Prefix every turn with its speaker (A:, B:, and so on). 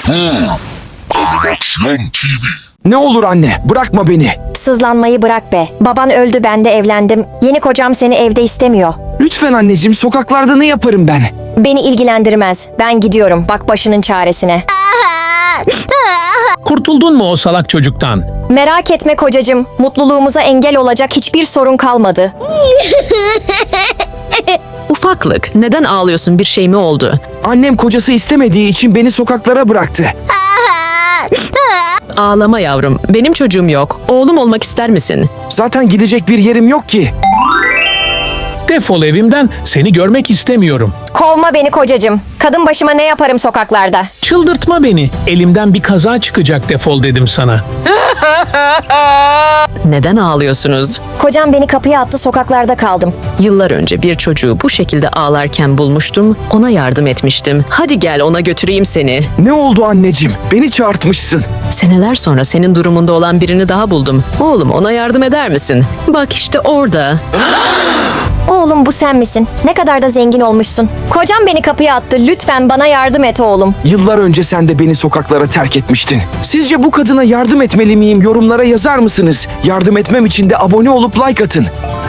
A: Animasyon TV.
B: Ne olur anne, bırakma beni.
C: Sızlanmayı bırak be. Baban öldü, ben de evlendim. Yeni kocam seni evde istemiyor.
B: Lütfen anneciğim, sokaklarda ne yaparım ben?
C: Beni ilgilendirmez. Ben gidiyorum. Bak başının çaresine.
D: Kurtuldun mu o salak çocuktan?
C: Merak etme kocacığım. Mutluluğumuza engel olacak hiçbir sorun kalmadı.
E: Ufaklık, neden ağlıyorsun? Bir şey mi oldu?
B: Annem kocası istemediği için beni sokaklara bıraktı.
E: Ağlama yavrum. Benim çocuğum yok. Oğlum olmak ister misin?
B: Zaten gidecek bir yerim yok ki.
D: Defol evimden, seni görmek istemiyorum.
C: Kovma beni kocacığım. Kadın başıma ne yaparım sokaklarda?
D: Çıldırtma beni. Elimden bir kaza çıkacak, defol dedim sana.
E: Neden ağlıyorsunuz?
C: Kocam beni kapıya attı, sokaklarda kaldım.
E: Yıllar önce bir çocuğu bu şekilde ağlarken bulmuştum. Ona yardım etmiştim. Hadi gel, ona götüreyim seni.
B: Ne oldu anneciğim? Beni çağırtmışsın.
E: Seneler sonra senin durumunda olan birini daha buldum. Oğlum, ona yardım eder misin? Bak işte orada.
C: Oğlum, bu sen misin? Ne kadar da zengin olmuşsun. Kocam beni kapıya attı. Lütfen bana yardım et oğlum.
B: Yıllar önce sen de beni sokaklara terk etmiştin. Sizce bu kadına yardım etmeli miyim? Yorumlara yazar mısınız? Yardım etmem için de abone olup like atın.